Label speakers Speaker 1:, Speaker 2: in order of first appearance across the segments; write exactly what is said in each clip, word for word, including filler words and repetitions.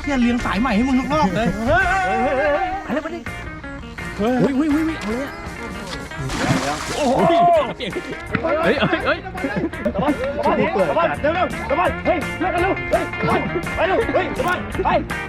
Speaker 1: เที่ยเลี้ยงสายใหม่ให้มึงทุกรอบเลยเฮ้ยอะไรมาดิเฮ้ยเฮ้ยเฮ้ยเฮ้ยเอาเลยโอ้โหเฮ้ยเฮ้ยเฮ้ยตะวันตะวันตะวันเร็วเร็วตะวันเฮ้ยเร็วเร็วเฮ้ยตะวันไปเร็วเฮ้ยตะวันไป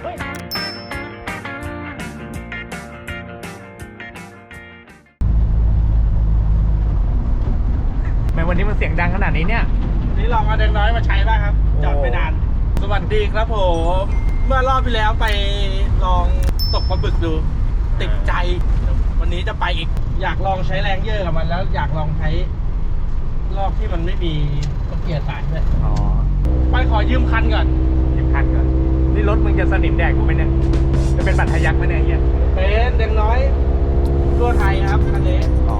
Speaker 1: ทำไมวันนี้มันเสียงดังขนาดนี้เนี่ยนี่ลองเอาแดงน้อยมาใช้บ้างครับจอดไปนานสวัสดีครับผมเมื่อรอบที่แล้วไปลองตกปลาบึกดูติดใจวันนี้จะไปอีกอยากลองใช้แรงเยอะกับมันแล้วอยากลองใช้รอบที่มันไม่มีตะเกียร์สายด้วยอ๋อไปขอยืมคันก่อนยืมคันก่อนนี่รถมึงจะสนิมแดกกูไหมเนี่ยจะเป็นบัตรทะยักไหมเนี่ยเฮียเป็นแดงน้อยตัวไทยครับคันนี้อ๋อ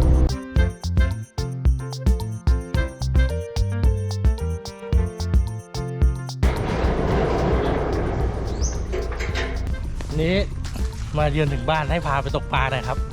Speaker 1: นี้มาเยือนถึงบ้านให้พาไปตกปลาหน่อยครับ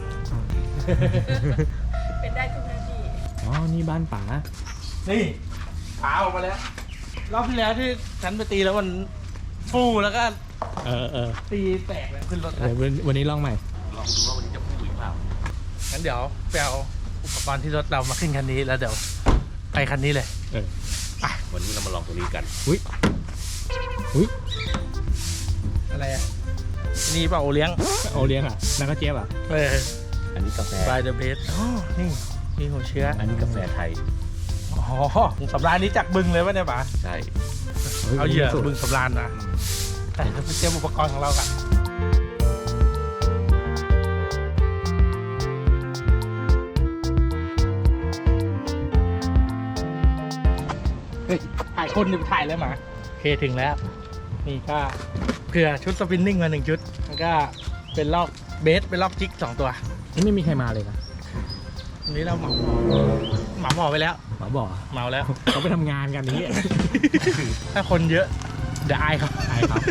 Speaker 2: เป็นได้ทุกหน้าที่
Speaker 3: อ๋อนี่บ้านป๋า
Speaker 1: นี่ปลาออกมาแล้วรอบที่แล้วที่ฉันไปตีแล้วมันฟูแล้วก็
Speaker 3: เออเออ
Speaker 1: ตีแตกเลยขึ้นรถ
Speaker 3: เดี๋ยววันนี้ลองใหม่
Speaker 1: ลองดูว่าวันนี้จะฟูหรือเปล่างั้นเดี๋ยวไปเอาอุปกรณ์ที่รถเรามาขึ้นคันนี้แล้วเดี๋ยวไปคันนี้เลย
Speaker 3: เออ
Speaker 1: ไปวันนี้เรามาลองตัวนี้กัน
Speaker 3: อุ้ยอุ้ย
Speaker 1: อะไรอ่ะนี่เปล่าโอเลี้ยง
Speaker 3: โอเลี้ยงอ่ะนักก็เจี๊ยบอ่ะ
Speaker 1: เออ
Speaker 4: อันนี้กาแฟ
Speaker 1: by the best อ๋อนี่มีหัวเชื้อ
Speaker 4: อันนี้กาแฟไทย
Speaker 1: อ๋อสำราญนี้จากบึงเลยวะเนี่ยป๋า
Speaker 4: ใช่
Speaker 1: เอาเหยื่อบึงสำราญนะแต่เราไปเตรียมอุปกรณ์ของเรากันเฮ้ยถ่ายคนหรือถ่ายเลยหมาโอเคถึงแล้วนี่ก็เผื่อชุดสปินนิ่งมาหนึ่งชุดแล้วก็เป็นลอกเบสเป็นลอกจิกสองตัว
Speaker 3: นี่ไม่มีใครมาเลยนะ
Speaker 1: วันนี้เราเหมาเหมาหมอไปแล้ว
Speaker 3: หมาบ่อ
Speaker 1: เมาแล้ว
Speaker 3: เขาไปทำงานกันนี้
Speaker 1: ถ้าคนเยอะเดี๋ยวอายครับ
Speaker 3: อายครับ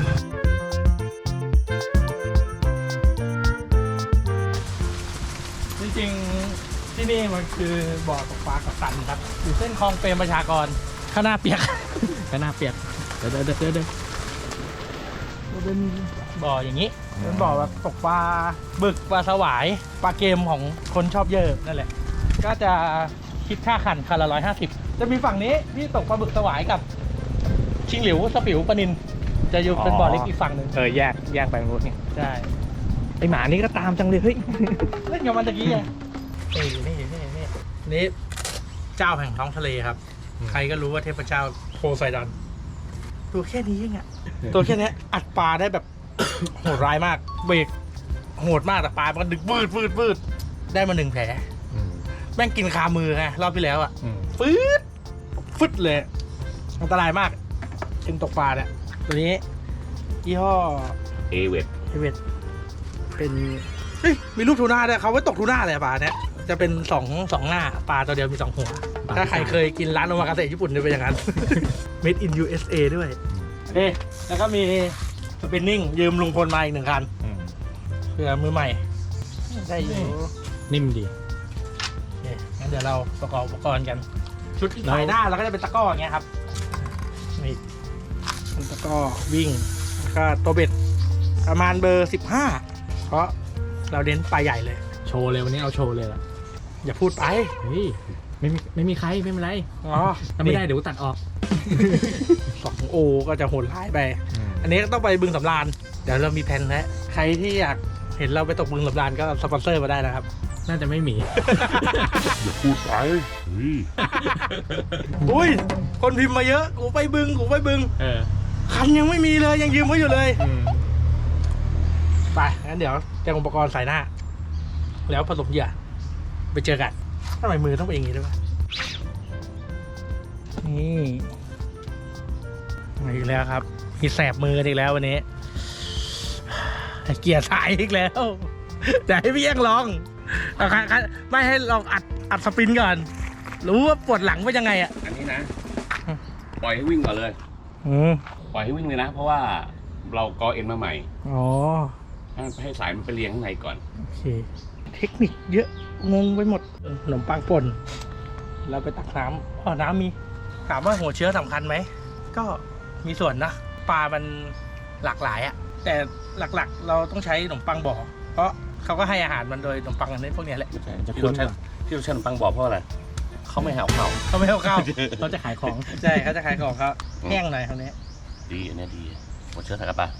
Speaker 1: จริงๆที่นี่มันคือบ่อตกปลากับตันครับอยู่เส้นคลองเปรมประชากรข้างหน้าเปียก
Speaker 3: ข้างหน้าเปียกเดี๋ยวเดี๋ยวเดี๋ยวเดี๋ยว
Speaker 1: มันเป็นบ่ออย่างนี้เป็นบ่อแบบตกปลาบึกปลาสวายปลาเกมของคนชอบเยอะนั่นแหละก็จะคิดค่าขันคันละร้อยห้าสิบจะมีฝั่งนี้ที่ตกปลาบึกสวายกับชิงหลิวสปิวปลานินจะอยู่เป็นบ่อเล็กอีกฝั่งหนึ่ง
Speaker 3: เออแยกแยกไปรถนี่
Speaker 1: ใช่
Speaker 3: ไอหมานี่ก็ตามจังเลยเฮ้ย
Speaker 1: เล่นกับมันตะกี้ไงนี่นี่นี่นี่นี่เจ้าแห่งท้องทะเลครับใครก็รู้ว่าเทพเจ้าโพไซดอนตัวแค่นี้เองอะตัวแค่นี้อัดปลาได้แบบโหดร้ายมากเบรกโหดมากแต่ปลามันก็ดึงวืดวืดวืดได้มาหนึ่งแผลแม่งกินคามือไงรอบที่แล้วอะฟืดฟึดเลยอันตรายมากกินตกปลาเนี่ยตัวนี้ยี่ห้อ
Speaker 4: เอเวด
Speaker 1: เอเวดเป็นเฮ้ยมีลูกทูน่าด้วยเขาไว้ตกทูน่าเลยปลาเนี่ยจะเป็นสองสองหน้าปลาตัวเดียวมีสองหัวถ้าใครเคยกินร้านโอมากาเสะญี่ปุ่นจะเป็นอย่างนั้น Made in ยู เอส เอ ด้วยเอ๊ะแล้วก็มีสปินนิ่งยืมลุงพลมาอีกหนึ่งคันเพื่อมือใหม่ได้อยู่
Speaker 3: นิ่มดี
Speaker 1: โอเคงั้นเดี๋ยวเราประกอบอุปกรณ์กันชุดถ่ายหน้าเราก็จะเป็นตะก้ออย่างเงี้ยครับนี่เป็นตะก้อวิ่งก็ตัวเบ็ดประมาณเบอร์สิบห้าเพราะเราเน้นปลาใหญ่เลย
Speaker 3: โชว์เลยวันนี้เอาโชว์เลยล่ะ
Speaker 1: อย่าพูดไป
Speaker 3: เฮ้ยไม่มีไม่มีใครไม่เป็นไร
Speaker 1: อ๋อ
Speaker 3: ทำไม่ได้เดี๋ยวตัดออก
Speaker 1: สองโอก็จะโหดร้ายไปอันนี้ก็ต้องไปบึงสำราญเดี๋ยวเรามีแผนแล้วใครที่อยากเห็นเราไปตกบึงสำราญก็สปอนเซอร์มาได้นะครับ
Speaker 3: น่าจะไม่มี
Speaker 4: อย่าพูดไป
Speaker 1: อุ้ยคนพิมพ์มาเยอะกูไปบึงกูไปบึง
Speaker 3: เออ
Speaker 1: คันยังไม่มีเลยยังยืมไว้อยู่เลยไปงั้นเดี๋ยวเตรียมอุปกรณ์ใส่หน้าแล้วผสมเหยื่อไปเจอกันทำไมมือต้องเป็นอย่างนี้ด้วยวะนี่มาอีกแล้วครับมีแสบมืออีกแล้ววันนี้เกียร์สายอีกแล้วแต่ให้พี่ยังลองไม่ให้ลองอัดอัดสปินก่อนรู้ว่าปวดหลังเป็นยังไงอ่ะ
Speaker 4: อันนี้นะปล่อยให้วิ่งก่อนเลยปล่อยให้วิ่งเลยนะเพราะว่าเรากอเอ็นมาใหม่
Speaker 1: อ๋อ
Speaker 4: ให้สายมันไปเลี้ยงข้างในก่อน
Speaker 1: โอเคเทคนิคเยอะงงไปหมดขนมปังป่นเราไปตักน้ำอ๋อน้ำมีถามว่าหัวเชื้อสำคัญไหมก็มีส่วนนะปลามันหลากหลายอะแต่หลักๆ เราต้องใช้ขนมปังบ่อเพราะเขาก็ให้อาหารมันโดยขนมปังอันนี้พวกเนี้ยแหละ
Speaker 4: ไม่ใช่
Speaker 3: จะ
Speaker 4: ที่
Speaker 3: คุ้
Speaker 4: เรา
Speaker 3: น
Speaker 4: ใช้
Speaker 3: กว่า
Speaker 4: ที่เราใช้ขนมปังบอกเพราะอะไรเขาไม่หาเข่า
Speaker 1: เขาไม่เอาเข้า
Speaker 3: เขาจะขายของ
Speaker 1: ใช่เขาจะขายของเขาแห้งหน่อยคราวนี้
Speaker 4: ดีอันนี้ดีหมดเชื้อสายกระปะ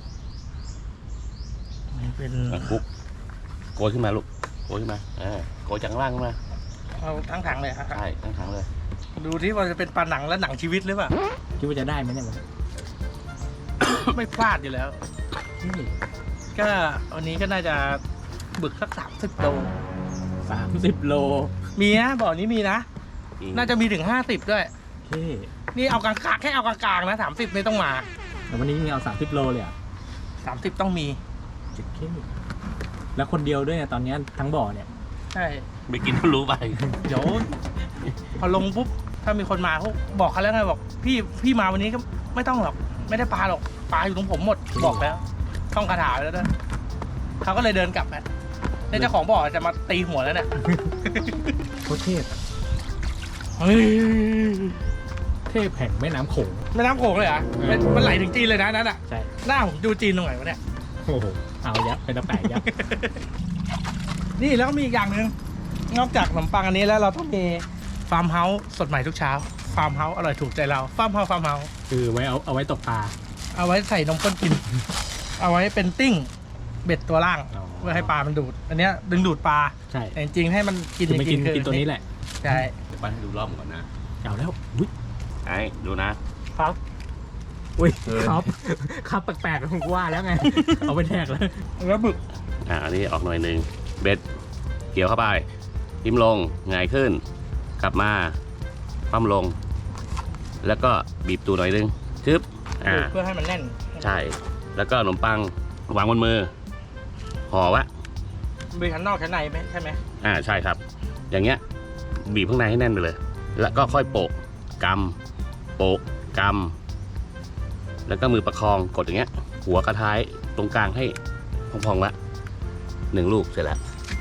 Speaker 1: นี่เป็น
Speaker 4: คุกโกยขึ้นมาลูกโกยขึ้นมาอ่าโกยจากข้างล่างขึ้นมา
Speaker 1: เอาทั้งถังเลยครับ
Speaker 4: ใช่ทั้งถังเลย
Speaker 1: ดูที่ว่าจะเป็นปลาหนังและหนังชีวิตหรือเปล่า
Speaker 3: คิดว่าจะได้ไหมเนี่ยมัน
Speaker 1: ไม่พลาดอยู่แล้ว ก็วันนี้ก็น่าจะบึกสักสามสิบโล
Speaker 3: สามสิบโล
Speaker 1: มีนะบ่อนี้มีนะ น่าจะมีถึงห้าสิบด้วย
Speaker 3: เฮ้
Speaker 1: นี่เอากลางๆแค่เอากลางๆนะสามสิบไม่ต้องมา
Speaker 3: แต่วันนี้มีเอาสามสิบโลเลยอ่ะ
Speaker 1: สามสิบต้องมี
Speaker 3: เจ็ดเคแล้วคนเดียวด้วยเนี่ยตอนนี้ทั้งบ่อเนี่ย
Speaker 1: ใช่
Speaker 4: ไม่กินก็รู้ไป
Speaker 1: เดี๋ยว พอลงปุ๊บถ้ามีคนมาเขาบอกเขาแล้วไงบอกพี่พี่มาวันนี้ก็ไม่ต้องหรอกไม่ได้ปลาหรอกปลาอยู่ตรงผมหมดบอกแล้วท่องคาถาไว้แล้วด้วยเขาก็เลยเดินกลับไปแล้วเจ้าของบ่อจะมาตีหัวแล้วเนี่ย
Speaker 3: โคตรเทพ
Speaker 1: เฮ้ย
Speaker 3: เทพแห่งแม่น้ำโขง
Speaker 1: แม่น้ำโขงเลยเหรอ่ะมันไหลถึงจีนเลยนะนั่นอ่ะ
Speaker 3: ใช่
Speaker 1: หน้าผมดูจีนตรงไหนวะเนี่ย
Speaker 3: โอ้โหเอายับเป็นตะแปะยับ
Speaker 1: นี่แล้วก็มีอีกอย่างหนึ่งนอกจากขนมปังอันนี้แล้วเราต้องมีฟาร์มเฮาส์สดใหม่ทุกเช้าฟาร์มเฮาส์อร่อยถูกใจเราฟาร์มเฮาส์ฟาร์มเฮาส์
Speaker 3: คือไว้เอาเอาไว้ตกปลา
Speaker 1: เอาไว้ใส่นมข้นกิน เอาไว้เป็นติ้งเบ็ดตัวล่าง
Speaker 3: อ๋อ
Speaker 1: เพื่อให้ปลามันดูด อันเนี้ยดึงดูดปลา
Speaker 3: ใช่
Speaker 1: แต่จริงๆให้มันกิน
Speaker 3: คือไม่กิน
Speaker 1: คือ
Speaker 3: กินตัวนี้แหละ
Speaker 1: ใช่
Speaker 4: เดี๋ยวปั้นให้ดูรอบก่อนนะ
Speaker 3: เอาแล้วอุ้ย
Speaker 4: ไอ้ดูนะ
Speaker 1: ครับ
Speaker 3: อุ้ยครับครับแปลกๆผมก็ว่าแล้วไง เอาไปแทกแล้ว
Speaker 1: แล้วบึก
Speaker 4: อ่าอันนี้ออกหน่อยหนึ่งเบ็ดเกี่ยวเข้าไปทิ่มลงหงายขึ้น กลับมาคว่ำลง แล้วก็บีบตูหน่อยหนึงชึบอ่า
Speaker 1: เพื่อให้มันแน่น
Speaker 4: ใช่ แล้วก็ขนมปังวางบนมือห่อวะ
Speaker 1: มีชั้นนอกชั้นในไหมใช่ไหม
Speaker 4: อ่าใช่ครับ อย่างเงี้ยบีบข้างในให้แน่นไปเลย แล้วก็ค่อยโปะกำโปะกำแล้วก็มือประคองกดอย่างเงี้ย หัวกระท้ายตรงกลางให้พองๆละหนึ่งลูกเสร็จแล้ว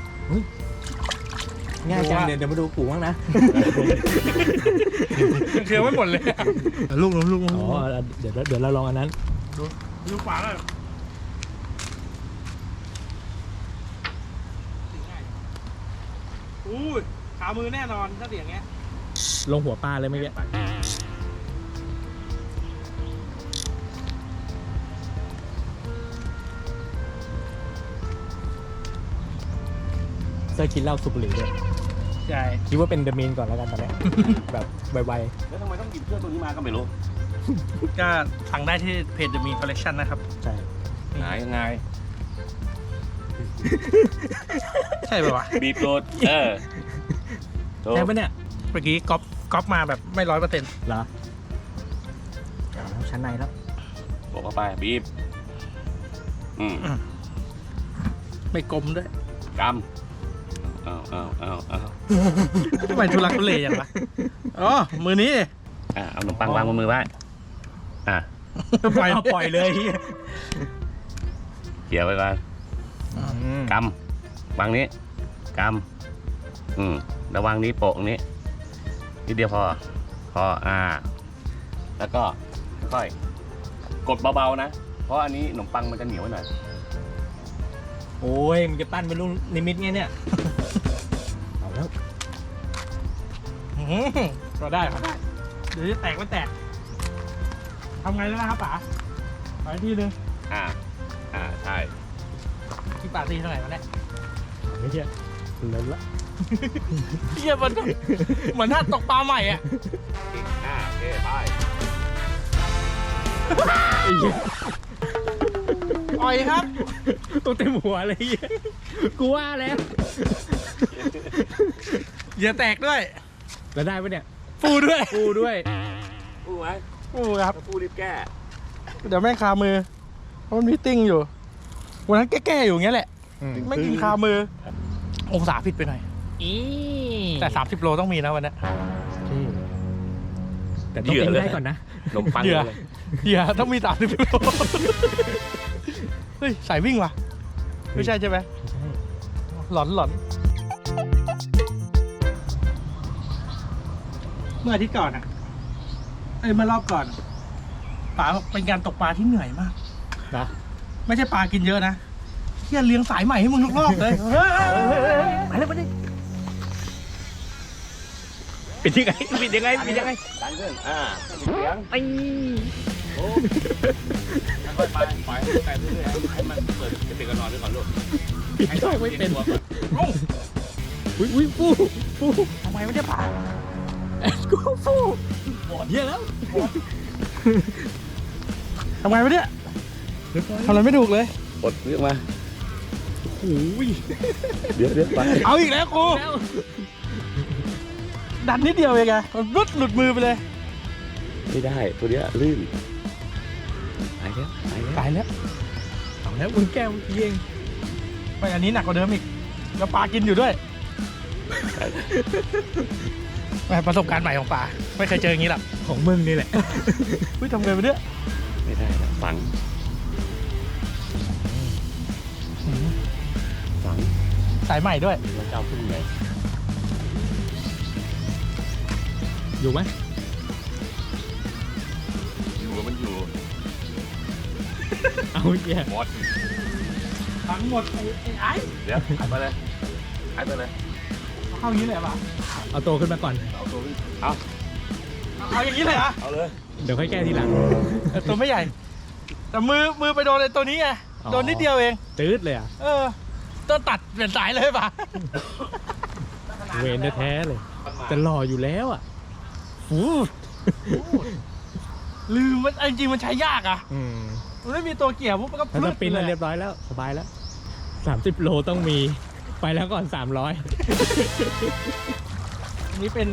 Speaker 3: ง่ายจังเดี๋ยวเดี๋ยวมาดูปู่บ้างนะ
Speaker 1: เคี้ยวไม่หมดเลยลูกลูกลูก
Speaker 3: อ๋อเดี๋ยวเดี๋ยวเราลองอันนั้น
Speaker 1: ลูกปลาแล้วอู้ยขามือแน่นอนถ้าเสียงเงี้ย
Speaker 3: ลงหัวปลาเลยเมื่อกี้เซอร์กินเหล้าสูบบุหรี่ด้วย
Speaker 1: ใช่
Speaker 3: คิดว่าเป็นเดอะมีนก่อนแล้วกันตอนเนี้ย แบบไว
Speaker 4: แล้วทำไมต้องหยิบเครื่องตัวนี้มาก็ไม่รู้
Speaker 1: ก็สั่งได้ที่เพจ The Mean Collection นะครับ
Speaker 3: ๆใช่
Speaker 4: หายยังไง
Speaker 1: ใช่ป่าวะ
Speaker 4: บีบโดดเออโดด
Speaker 3: ใช่ปะเนี่ย
Speaker 1: เมื่อกี้ก๊อปก๊อปมาแบบไม่ร้อยเปอร์เซ็นต์
Speaker 3: เหรอเอาแล้วชั้นในแล้ว
Speaker 4: บอกเข้าไปบีบอืม
Speaker 1: ไม่กลมด้วย
Speaker 4: กำเอาเอาเอาเอา
Speaker 1: ทำไมทุลักทุเลอย่างวะอ๋อ มือนี้
Speaker 4: อ่าเอาขนมปังวางบนมือไว้อ่ะ
Speaker 1: ปล่อย
Speaker 3: เอาปล่อยเลย
Speaker 4: เกี่ยวไว้ก่อน
Speaker 3: อืม
Speaker 4: กำวางนี้กำอืมแล้ววางนี้โปะตรงนี้นิดเดียวพอ พออ่า แล้วก็ค่อยกดเบาๆนะ เพราะอันนี้ขนมปังมันจะเหนียวไว้หน่อย
Speaker 3: โอ้ยมันจะปั้นเป็นลูกนิมิตไงเนี่ย เอาแล้ว
Speaker 1: อื้อหือก็ได้ก็ได้เดี๋ยวจะแตกไม่แตกทำไงแล้วนะครับป๋าขออีกทีนึง
Speaker 4: อ่า อ่า ใช่
Speaker 1: ที่ป๋าตีเท่าไหร่วะเนี่ย
Speaker 3: ไม่ใช่เลิศละ
Speaker 1: เฮียมันก็เหมือนถ้าตกปลาใหม่อ่ะ
Speaker 4: อ่าโอเคไป
Speaker 3: ไอ้เหี้ย
Speaker 1: ปล่อยครับ
Speaker 3: ตัวเต็มหัวเลยเหี้ยกูว่าแล้ว
Speaker 1: อย่าแตกด้วย
Speaker 3: แล้วได้ปะเนี่ย
Speaker 1: ฟูด้วย
Speaker 3: กูด้วย
Speaker 4: พูดไหม
Speaker 1: ฟูครับ
Speaker 4: ถ้าพูดรีบแก้
Speaker 1: เดี๋ยวแม่งคามือเพราะมันมีติ้งอยู่วันนั้นแก้ๆอยู่อย่างเงี้ยแหละ ไม่กินคามือ องศาผิดไปหน่อย
Speaker 3: อี
Speaker 1: แต่สามสิบโลต้องมีนะวันนี้
Speaker 3: แต่ต้องกินได้ก่อนนะ
Speaker 4: ขนมปัง
Speaker 1: เหยื่อ
Speaker 4: เลย
Speaker 1: เดี๋ยวต้องมีสามสิบโลเฮ้ยสายวิ่งว่ะ ไม่ใช่ใช่ไหม
Speaker 3: ไม่ใช่
Speaker 1: หลอนหลอนเมื่ออาทิตย์ก่อนอ่ะเอ้ยเมื่อรอบก่อนป๋าบอกเป็นการตกปลาที่เหนื่อยมาก
Speaker 3: นะ
Speaker 1: ไม่ใช่ปลากินเยอะนะเฮียเลี้ยงสายใหม่ให้มึงทุกรอบเลยเฮ้ย
Speaker 3: มาเลยมาเลยปิดยังไงปิดยังไงปิดยังไง
Speaker 4: ดันขึ้นอ่าเสียง
Speaker 3: ไอ้
Speaker 4: โอ้ค่อยๆไปปล่อยให้ไปเรื่อยๆให้มันเปิดจะเป็นกระนอนด้วยก่อนลูก
Speaker 3: ปิดช่องไม่เป็น
Speaker 4: ตัวก่อน
Speaker 3: อุ้ยอุ้ยฟูฟู
Speaker 1: ทำไมไม่ได้ปลา
Speaker 3: แอนกูฟูเยอะแล้ว
Speaker 1: ทำไมไม่ได้ทำอะไรไม่ถูกเลย
Speaker 4: กดเรียกมา
Speaker 3: โอ้ย
Speaker 4: เดี๋ยวเดี๋ยวไป
Speaker 1: เอาอีกแล้วกูดันนิดเดียวเองไงมันรุดหลุดมือไปเลย
Speaker 4: ไม่ได้ตัวเนี้ยลื่นไปแล้วไปแล้ว
Speaker 1: ตายแล้ว
Speaker 3: เอาแล้วมึงแก้วเยี่ยง
Speaker 1: ไปอันนี้หนักกว่าเดิมอีกแล้วปลากินอยู่ด้วยแหม่ประสบการณ์ใหม่ของปลาไม่เคยเจออย่างนี้หรอก
Speaker 3: ของมึงนี่แหละ
Speaker 1: อุ้ยทำไงไปเนี่ย
Speaker 4: ไม่ได้แล้วฝังฝัง
Speaker 1: สายใหม่ด้วย
Speaker 4: แล้วเจ้าพึ่งไง
Speaker 3: อยู่ไหม
Speaker 4: อยู่มันอยู่
Speaker 3: เอาเยี่ย
Speaker 4: หมด
Speaker 1: ทั้งหมดไอ้ไอ้ไอ้
Speaker 4: เดี๋ยวหายไปเลยหายไปเลย
Speaker 1: เข้าอย่างนี้เลยเหรอปะ
Speaker 3: เอาโตขึ้นมาก่อน
Speaker 4: เอาตัวขึ้นเอา
Speaker 1: เอาอย่างนี้เลยเหรอ
Speaker 4: เอาเลย
Speaker 3: เดี๋ยวค่อยแก้ทีหลัง
Speaker 1: เออตัวไม่ใหญ่ แต่มือมือไปโดนไอ้ตัวนี้ไง
Speaker 3: อ๋อ
Speaker 1: โดนนิดเดียวเอง
Speaker 3: ตืดเลยอ่ะ
Speaker 1: เออต้องตัดเปลี่ยนสายเลยปะ
Speaker 3: เวนแท้ๆเลยแต่หล่ออยู่แล้วอ่ะ
Speaker 1: ฟูลืมมันจริงๆมันใช้ยากอ่ะ
Speaker 3: อืม
Speaker 1: มันไม่มีตัวเกี่ยวปุ๊บมันก็
Speaker 3: ถ้า
Speaker 1: พ
Speaker 3: ส
Speaker 1: ลึด
Speaker 3: ปิน
Speaker 1: เล
Speaker 3: แล้ว
Speaker 1: ย
Speaker 3: เรียบร้อยแล้วสบายแล้วสามสิบโลต้องมีไปแล้วก่อนสามร้อย
Speaker 1: อันนี้เป็น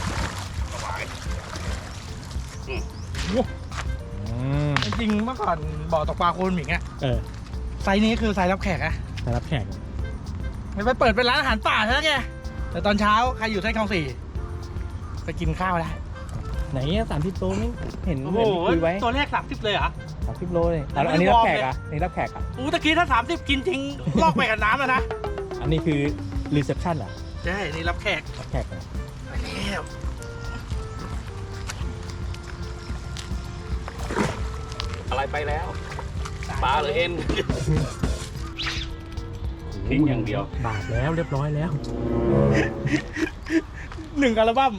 Speaker 1: จริงๆเมื่อก่อนบ่อตกปลาโคนหมิงอะ
Speaker 3: เออ
Speaker 1: ไซส์นี้คือไซส์รับแขกอะ
Speaker 3: มารับแขก
Speaker 1: มันไปเปิดเป็นร้านอาหารป่าใช่ไหมแกแต่ตอนเช้าใครอยู่เส้นคลองสี่ไปกินข้าวได้
Speaker 3: ไหนสามสิบโลไม่เห็นเหมือนคุยไว้
Speaker 1: ตัวแรกสามสิบเลยเหรอ
Speaker 3: สามสิบโลเลย
Speaker 1: แต่ไม่
Speaker 3: อันนี้
Speaker 1: ได้
Speaker 3: รับ
Speaker 1: วอร์ม
Speaker 3: แขก
Speaker 1: เลย
Speaker 3: อ่ะอันนี้รับแขกอ่ะ
Speaker 1: อู้ตะกี้ถ้าสามสิบกินจริง ลอกไปกับน้ำอะนะ
Speaker 3: อันนี้คือรีเซพชันอ่ะ
Speaker 1: ใช่นี่รับแขก
Speaker 3: รับแขกอะ
Speaker 1: ไปแล้ว
Speaker 4: อะไรไปแล้วปลาหรือเอ็นทิ้งอย่างเดียว
Speaker 3: บาทแล้วเรียบร้อยแล้ว
Speaker 1: หนึ่งอัลบั้ม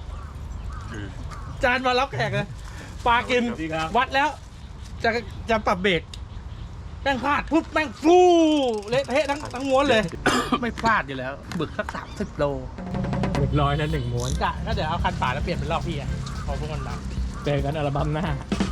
Speaker 1: จานมารับแขกเลยปลากิน
Speaker 4: สวัสดีครับ
Speaker 1: วัดแล้ว จะจะปรับเบรกแม่งพลาดปุ๊บแม่งฟูเละเทะทั้งทั้งม้วนเลย ไม่พลาดอยู่แล้ว บึกสักสามสิบโล
Speaker 3: เรียบร้อยแล้วหนึ่งม้วน
Speaker 1: กะก็เดี๋ยวเอาคันป่าแล้วเปลี่ยนเป็นรอบพี่อะพอพวกมันมา
Speaker 3: เจอกันอัลบั้มหน้า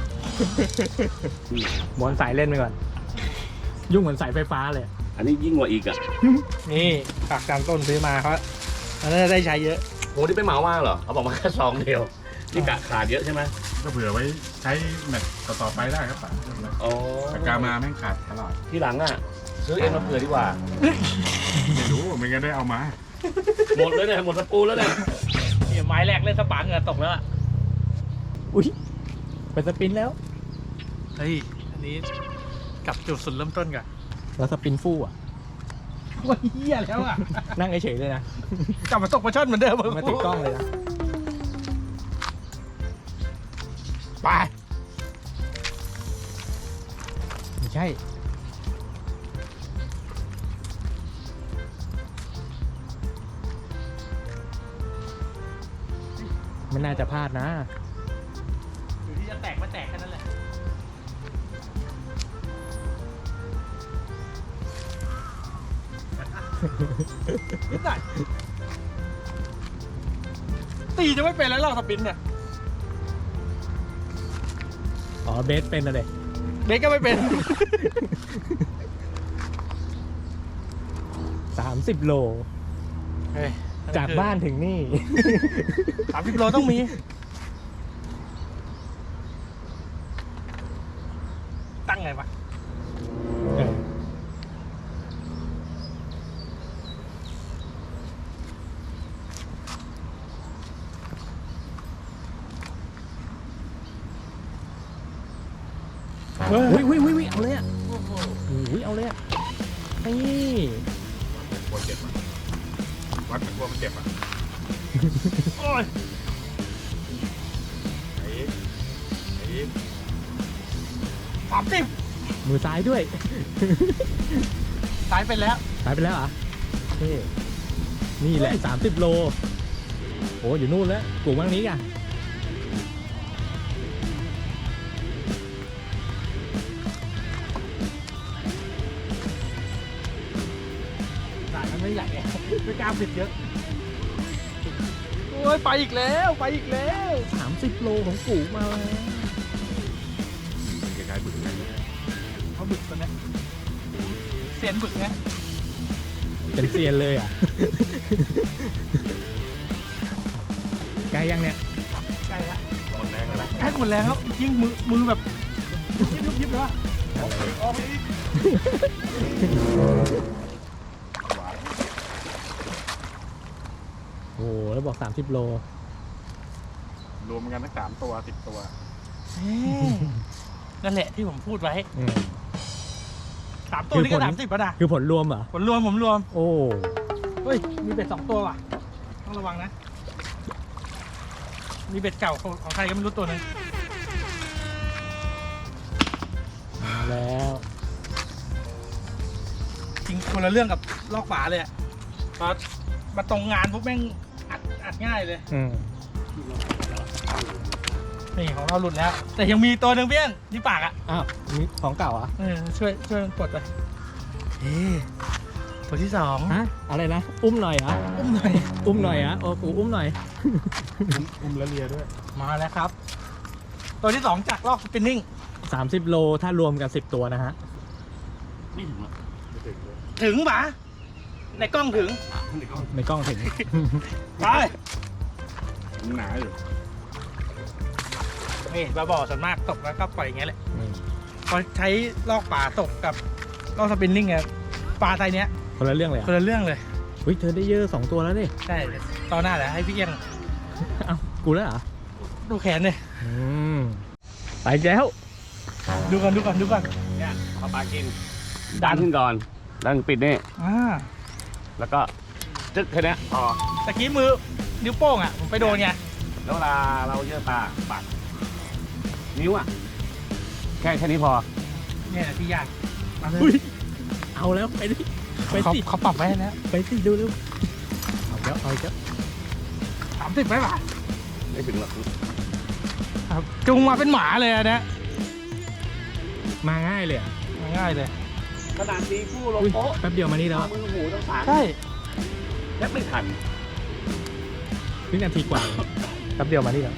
Speaker 3: ม้วนสายเล่นไปก่อน ยุ่งเหมือนสายไฟฟ้าเลย
Speaker 4: อันนี้ยิ่งกว่าอีกอ่ะ
Speaker 1: นี่ฝากกลางต้นซื้อมาเขามันน่าจะได้ใช้เยอะ
Speaker 4: โอ้ที่ไปเหมามาเหรอเขาบอกมาแค่ซองเดียวนี่กะขาดเยอะใช่ไหม
Speaker 2: ก็เผื่อไว้ใช้แมตช์ต่อๆไปได้ครับป่ะ
Speaker 4: อ๋อ
Speaker 2: ปากกามาแม่งขาดตลอด
Speaker 4: ที่หลังอ่ะซื้อเอ็นมาเผื่อดีกว่า
Speaker 2: ไม่รู้ไม่งั้นได้เอามา
Speaker 4: หมดเลยเนี่ยหมดสกรูแล้วเนี่ย
Speaker 1: เนี่ยไม้แรกเล่นสปาเหงื่อตกแล้วอะ
Speaker 3: อุ้ยเป็นสปินแล้ว
Speaker 1: เฮ้ยอันนี้กลับจุดสุดเริ่มต้นก่อน
Speaker 3: แล้วสปินฟู่อ่ะ
Speaker 1: ว่าเฮียแล้วอะ
Speaker 3: นั่งเฉยๆเลยนะ
Speaker 1: กลับมาตกปลาช่อนเหมือนเดิม
Speaker 3: มาติดกล้องเลยนะ
Speaker 1: ไป
Speaker 3: ไม่ใช่ ไม่น่าจะพลาดนะ
Speaker 1: อยู่ที่จะแตกไม่แตกแค่นั้นแหละนิดหน่อยตีจะไม่เป็นแล้วหรอกสปินเนี่ย
Speaker 3: อ๋อเบสเป็นอะไร
Speaker 1: เบสก็ไม่เป็น
Speaker 3: สามสิบโล
Speaker 1: เฮ้ย
Speaker 3: จากบ้านถึงนี่
Speaker 1: สามสิบโลต้องมี ตั้งไงวะ
Speaker 3: เออเฮ้ยเฮ้ยเฮ้ยเฮ้ยเอาเลยอ่ะโอ้ยเอาเลยอ่ะนี่
Speaker 2: กลัวเจ็บอ่ะวัดมันกลัวมันเจ็บอ่ะ
Speaker 1: โอ้ย
Speaker 2: ไอ้ไอ้
Speaker 1: สามสิบ
Speaker 3: มือซ้ายด้วย
Speaker 1: ซ้ายไปแล้ว
Speaker 3: ซ้ายไปแล้วเหรอเท่นี่แหละสามสิบโลโอ้อยู่นู่นแล้วกลุ่มว่างนี้กัน
Speaker 1: สายมันไม่ใหญ่ไงไม่กล้าปิดเยอะโอ้ยไปอีกแล้วไปอีกแล้ว
Speaker 3: สามสิบโลของกูมาแล้ว
Speaker 2: เป็นคล้ายๆบึกอะไรเงี้ย
Speaker 1: เขาบึกตัวเนี้ยเสียนบึกเนี้ย
Speaker 3: เป็นเซียนเลยอ่ะ ไกลยังเนี่ย
Speaker 1: ใกล้ละ
Speaker 2: หมดแรงแล้ว
Speaker 1: ใกล้หมดแรงแล้วยิงมือมือแบบยิบยิบยิบเลยว่ะออกไปอีก
Speaker 2: หวาน
Speaker 3: โอ้โหแล้วบอกสามสิบโล
Speaker 2: รวมกันทั้งสามตัวสิบตัว
Speaker 1: นั่นแหละที่ผมพูดไว้
Speaker 3: อืม
Speaker 1: สามตัวนี่ก็สามสิบป่ะนะ
Speaker 3: คือผลรวมเหรอ
Speaker 1: ผมรวมผมรวม
Speaker 3: โอ้
Speaker 1: เฮ้ยมีเบ็ดสองตัวว่ะต้องระวังนะมีเบ็ดเก่าของของใครก็ไม่รู้ตัวหนึง
Speaker 3: มาแล้ว
Speaker 1: จริงคนละเรื่องกับลอกฝาเลยอะพอมาตรงงานปุ๊บแม่งอัดอัดง่ายเลย
Speaker 3: อืม
Speaker 1: นี่ของเราหลุดแล้ว แต่ยังมีตัวหนึ่งเพี้ยนที่ปากอ่ะ
Speaker 3: อ้าวนี่ของเก่าเหรอ่ะ
Speaker 1: เออช่วยช่วยมันปลดไปเฮ้ตัวที่สอง
Speaker 3: ฮะอะไรนะอุ้มหน่อยเหรอ
Speaker 1: อุ้มหน่อย
Speaker 3: อุ้มหน่อยเหรอ่ะโอ้กูอุ้มหน่อย
Speaker 2: อุ้มแล้วเลียด้วย
Speaker 1: มาแล้วครับ ตัวที่สองจากลอกสปินนิ่ง
Speaker 3: สามสิบโลถ้ารวมกันสิบตัวนะฮะ
Speaker 4: ไม่ถึงหรอก
Speaker 2: ไม่ถึงเลย
Speaker 1: ถึงปะในกล้องถึง
Speaker 3: ในกล้องถึง
Speaker 1: ไป
Speaker 2: มันหนาอยู่
Speaker 1: นี่ปลาบ่อส่วนมากตกแล้วก็ปล่อยอย่างเงี้ยแหละ
Speaker 3: อืม
Speaker 1: พอใช้ลอกป่าตกกับลอกสปินนิ่งเนี่ยปลาไทยเนี้ย
Speaker 3: คนละเรื่องเลยเหร
Speaker 1: คน
Speaker 3: อ่ะ
Speaker 1: ละเรื่องเลย
Speaker 3: อุ้ยเธอได้เยอะสองตัวแล้วดิ
Speaker 1: ใช่ตอนหน้าแหละให้พี่เอี้ยง
Speaker 3: เอ้ากูแล้วเหรอ
Speaker 1: ดูแขนเลย
Speaker 3: อืมไปแล้ว
Speaker 1: ดูก่อนดูก่อนดูก่อน
Speaker 4: เนี่ยพอปลากินดันขึ้นก่อนดันปิดนี่
Speaker 1: อ่า
Speaker 4: แล้วก็จึ๊กแค่เนี้ยพอ
Speaker 1: ตะกี้มือนิ้วโป้งอ่ะผมไปโดนไง
Speaker 4: แล้วเวลาเราเยอะปลาปัดนิ้วอ่ะแค่แค่นี้พอ
Speaker 1: เนี่ยแหละที่ยากมาเล
Speaker 3: อุ้
Speaker 1: ย
Speaker 3: ยเอาแล้วไปดิไป
Speaker 1: เขา
Speaker 3: สิ
Speaker 1: เขาปรับไว้แล้ว
Speaker 3: ไปสิดูเร็วเอาแล้วเอาแล้ว
Speaker 1: สามสิบไหมป่ะ
Speaker 4: ไม่ถึงหรอก
Speaker 1: ครับจุงมาเป็นหมาเลยอันเนี้ย
Speaker 3: มาง่ายเลยอ่ะ
Speaker 1: ง่ายเลย
Speaker 4: ขนาดตีคู่ลง
Speaker 3: อุ้ย
Speaker 4: โป๊ะ
Speaker 3: แป๊บเดียวมานี่แล้ว
Speaker 4: มือหูต้องสาง
Speaker 1: ใช่
Speaker 4: แทบไม่ทัน
Speaker 3: วินาทีกว่าแป๊บเดียวมานี่แล้ว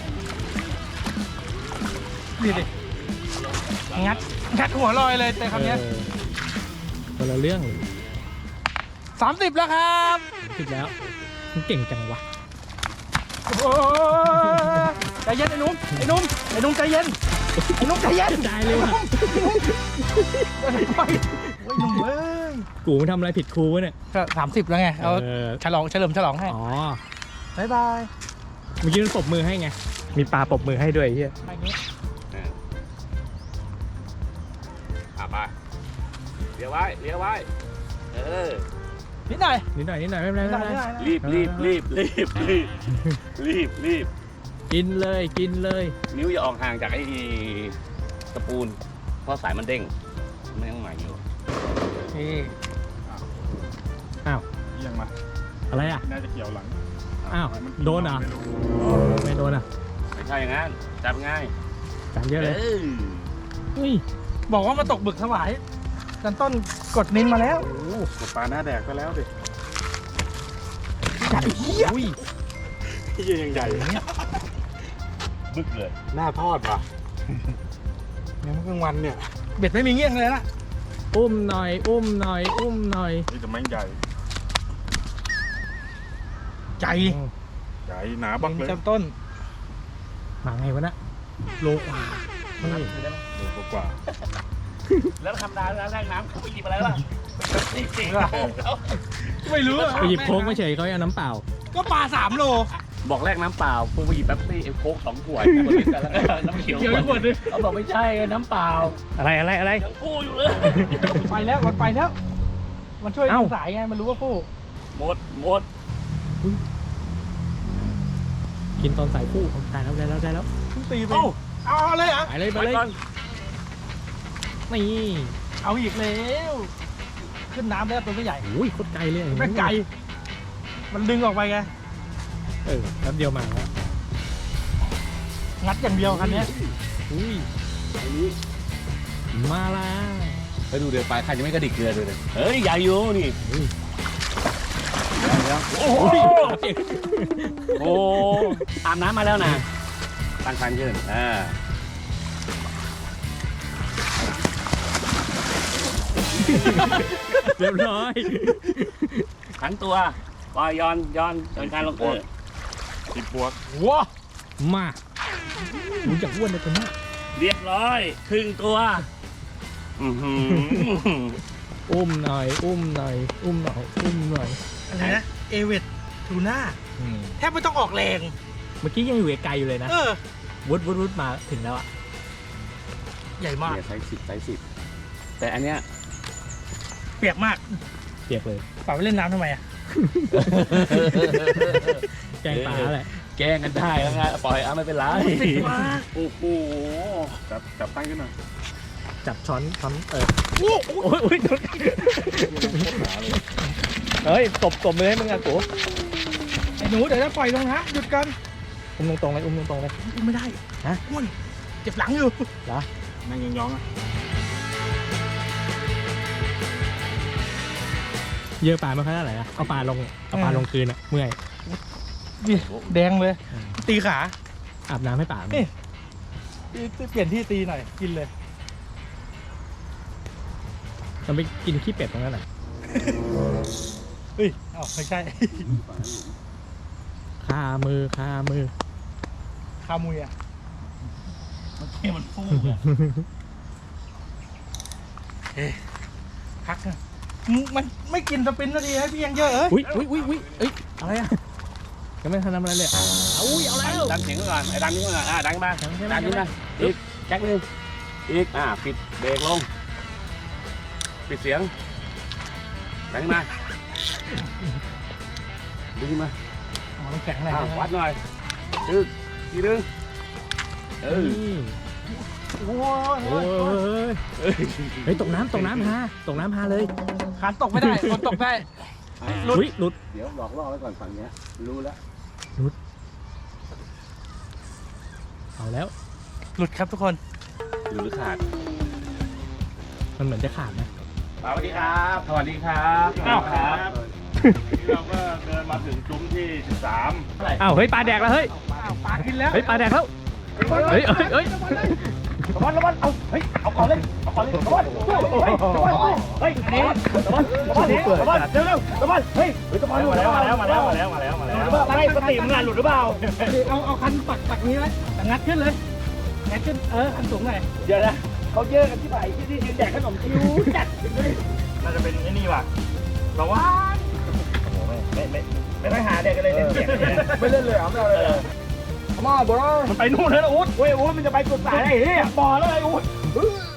Speaker 1: ดีดิงัดงัดหัวลอยเลยแต่คำเนี้ย
Speaker 3: เออคนละเรื่องเลย
Speaker 1: สามสิบแล้วครับ
Speaker 3: สิบแล้วมันเก่งจังวะ
Speaker 1: โอ้ยใจเย็นไอ้หนุ่มไอ้หนุ่มไอ้หนุ่มใจเย็นไอ้หนุ่มใจเย็น
Speaker 3: ได้เลยว่ะ
Speaker 1: ไปไปไอ้หนุ่มเอ้ย
Speaker 3: กูมันทำอะไรผิดครูวะเนี่ย
Speaker 1: ก็สามสิบแล้วไงเอา
Speaker 3: เออ
Speaker 1: ฉลองเฉลิมฉลองให้
Speaker 3: อ๋อ
Speaker 1: บายบาย
Speaker 3: เมื่อกี้มันปรบมือให้ไงมีปลาปรบมือให้ด้วยไอ้เฮีย
Speaker 1: อย่างนี้
Speaker 4: เอออ่ะไปเลี้ยวไว้เลี้ยวไว้เออ
Speaker 1: นิดหน่อย
Speaker 3: นิดหน่อยนิดหน่อยไม่เป็นไร
Speaker 1: นิดห
Speaker 3: ไม่
Speaker 1: น่อย
Speaker 3: เป็นไร
Speaker 1: นิดหน่อย
Speaker 4: รีบรีบรีบรีบรีบรีบรีบ
Speaker 3: กินเลยกินเลย
Speaker 4: นิ้วอย่าออกห่างจากไอ้ตะปูนเพราะสายมันเด้งไม่ต้องใหม่อยู่
Speaker 1: นี่
Speaker 2: เอียงมา
Speaker 3: อะไรอ่ะ
Speaker 2: น่าจะเกี่ยวหลัง
Speaker 3: อ้าว
Speaker 2: มัน
Speaker 3: โดนเหรอ
Speaker 2: ไม่รู้
Speaker 3: ไม่โดนอ่ะ
Speaker 4: ไม่ใช่อย่างนั้นจับง่าย
Speaker 3: จานเยอะเลย
Speaker 4: อ
Speaker 3: อุ้ย
Speaker 1: บอกว่ามาตกบึกถวายกันต้นกดนิ้งมาแล้ว
Speaker 2: โอ้โหกดปลาหน้าแดกไปแล้วดิ
Speaker 1: ใหญ่เหี้ย
Speaker 3: อุ้ย
Speaker 2: ที่ยังใหญ่
Speaker 4: บึกเลย
Speaker 2: หน้าทอดว่ะยังกลางวันเนี่ย
Speaker 1: เบ็ดไม่มีเงี้ยงเลยนะ
Speaker 3: อุ้มหน่อย อุ้มหน่อย อุ้มหน่อย
Speaker 2: นี่แต่แม่งใหญ่
Speaker 1: ใจ
Speaker 2: ใหญ่หนาบักเลย
Speaker 1: จำต้น
Speaker 3: มาไงวะนะโลกว่าเฮ้ย
Speaker 2: โลกว่า
Speaker 4: แล้วธรรมดาแล้วแรกน้ำเขาไปหยิบอะไรล่ะจริงจริง
Speaker 1: ไม่รู้อะ
Speaker 3: ไปหยิบโค้กไม่เฉยเขาเอาน้ำเปล่า
Speaker 1: ก็ปลาสามโล
Speaker 4: บอกแรกน้ำเปล่าพวกไปหยิบแป๊บซี่ไอ้โค้กสองขวดคนละกันแล้วก็น้ำเขียว
Speaker 1: เขียวขวดนึง
Speaker 4: เขาบอกไม่ใช่น้ำเปล่า
Speaker 3: อะไรอะไรอะไร
Speaker 4: ยังพูดอยู่เลย
Speaker 1: ไปแล้วมันไปแล้ว มันช่วย
Speaker 3: เอ้า
Speaker 1: ดึงสายไงมันรู้ว่าผู้
Speaker 4: หมดหมด
Speaker 3: กินตอนสายคู่ได้แล้วได้แล้วได้แล้ว
Speaker 1: เพิ่งตีไป
Speaker 4: เอ้า
Speaker 1: เอาเลยเหรอ่ะ
Speaker 3: ไปเลยไป
Speaker 4: ไป
Speaker 3: เลย
Speaker 4: ก่อน
Speaker 3: นี่
Speaker 1: เอาอีกแล้วขึ้นน้ำแล้วตัวไม่ใหญ่
Speaker 3: โอ้ยโคตรไกลเลย
Speaker 1: ไม่ไกลมันดึงออกไปไง
Speaker 3: เออแป๊บเดียวมาแล้ว
Speaker 1: งัดอย่างเดียวคันนี้
Speaker 3: อุ้ย
Speaker 4: อันนี้
Speaker 3: มาแล้ว
Speaker 4: ไปดูเดี๋ยวปลายคันยังไม่กระดิกเกลือเลยเฮ้ยใหญ่อยู่นี่โอ้โหโอ้อาบน้ำมาแล้วนะตั้งคันขึ้นอ่า
Speaker 3: เรียบร้อย
Speaker 4: ขันตัวปล่อยย้อนย้อนย้อนการลงเออ
Speaker 2: ติดปวก
Speaker 1: ว้า
Speaker 3: มารู้จักอ้วนเลยตัวนี้
Speaker 4: เรียบร้อยครึ่งตัวอือหือ
Speaker 3: อุ้มหน่อย อุ้มหน่อย อุ้มหน่อย อุ้มหน่อย
Speaker 1: อะไรนะเอเวตทูน่า
Speaker 3: อืม
Speaker 1: แทบไม่ต้องออกแรง
Speaker 3: เมื่อกี้ยังอยู่ไกลๆอยู่เลยนะ
Speaker 1: เออ
Speaker 3: วุดวุดวุดมาถึงแล้วอะ
Speaker 1: ใหญ่มาก
Speaker 4: เนี่ยไซส์สิบไซส์สิบแต่อันเนี้ย
Speaker 1: เปียกมาก
Speaker 3: เปียกเลย
Speaker 1: ฝากไปเล่นน้ำทำไมอ่ะ
Speaker 3: แกงปลาแหละ
Speaker 4: แกล้งกันได้แล้วไงปล่อยอ่ะไม่เป็นไร
Speaker 1: ติดมาก
Speaker 4: โอ้โห
Speaker 2: จับจับตั้งขึ้นหน่อย
Speaker 3: จับช้อนช้อนเออ
Speaker 1: โอ้โห
Speaker 3: โอ้ยโอ้ยโดนเฮ้ยตบตบเลยมึงอะกู
Speaker 1: ไอ้หนูเดี๋ยวจะปล่อยลงนะหยุดกัน
Speaker 3: อุ้มตรงๆเลยอุ้มตรงๆเลย
Speaker 1: อุ้มไม่ได้
Speaker 3: ฮะ
Speaker 1: อ้วนเจ็บหลังอยู่
Speaker 2: นั่งยองๆอ่ะ
Speaker 3: เยอะปลาไม่ค่อยเท่าไหร่อะเอาปลาลงเอาปลาลงคืนอะเมื่อย
Speaker 1: นี่แดงเลย ตีขา
Speaker 3: อาบน้ำให้ปลามัน
Speaker 1: นี่ เปลี่ยนที่ตีหน่อย กินเลย
Speaker 3: เราไปกินขี้เป็ดตรงนั้นแหละ
Speaker 1: เฮ้ยเอ้าไม่ใช่
Speaker 3: คามือคามือ
Speaker 1: คามุยอ่ะ
Speaker 4: ให้มันฟูอ่ะ
Speaker 1: พักนะมึงมันไม่กินสปินนาทีให้พี่ยังเยอะเอ้ย
Speaker 3: อุ้ยอุ้ยอุ้ยอุ้ยเอ้ยอะไรอะยังไม่ทันทำอะไรเลยอะเอาอุ้ยเอาแล้ว
Speaker 4: ดันเสียงก่อนไอ้ดันนี้ก่อนอ่ะดันมา
Speaker 3: ดันใช่ไหม
Speaker 4: ดันนี้มาอีกแจ็คนึงอีกอ่ะปิดเบรกลงปิดเสียงดันมาดึงมา
Speaker 1: อ๋อมันแข็งแรง
Speaker 4: อ่ะวัดหน่อยดึงทีนึงเออ
Speaker 3: นี่
Speaker 1: โอ้ย
Speaker 3: โอ้ยเฮ้ยตกน้ำตกน้ำฮะตกน้ำฮาเลย
Speaker 1: ขาตกไม่ได้คนตกได้ หลุด
Speaker 3: อุ้ยหลุด
Speaker 4: เดี๋ยวหลอกล่อไว้ก่อนฝั่งเนี้ยรู้แล้ว
Speaker 3: เอาแล้ว
Speaker 1: หลุดครับทุกคน
Speaker 4: หรือขาด
Speaker 3: มันเหมือนจะขาดนะ
Speaker 4: สวัสดีครับสวัสดีครับ
Speaker 2: อ้าวครับเราก็เดินมาถึงซุ้มที่สิบสาม
Speaker 3: อ้าวเฮ้ยปลาแดกแล้วเฮ้ย
Speaker 1: อ้าวปลากินแล้ว
Speaker 3: เฮ้ยปลาแดกแล้วเฮ้ยเฮ้ยเฮ้ย
Speaker 4: ระวังระวังเอาเฮ้ยเอาก่อนเลยเอาก่อนเลยระวังระวังเฮ้ยอันนี้ระวังระวังระวังเร็วเร็วระวังเฮ้ยระวังมาแล้วมาแล้วมาแล้วมาแล้วมาแล้วมาแล้วไม่สติมึงงานหลุดหรือเปล่า
Speaker 1: เอาเอาคันปักปักนี้ไว้แต่งัดขึ้นเลยงัดขึ้นเออคันสูงหน่อย
Speaker 4: เดี๋ยวนะเขาเยอะกันที่ไหนที่ที่ยืนแจกขนมคิวจัด
Speaker 2: น่าจะเป็นไอ้นี่ว่ะระวัง
Speaker 4: ไม่ไม่ไม่ไม่หาเด็กกันเลยเล่นเสียง
Speaker 2: ไม่เล่นเลยเหรอไม่เอาเลยเหรอมาบอล
Speaker 4: มันไปนู่นแล้วอุ๊ดเว้ยอุ๊ดมันจะไปสุดสายไอ้เหี้ย
Speaker 1: บ่อแล้วไอ้อุ้ย
Speaker 2: เฮ้ย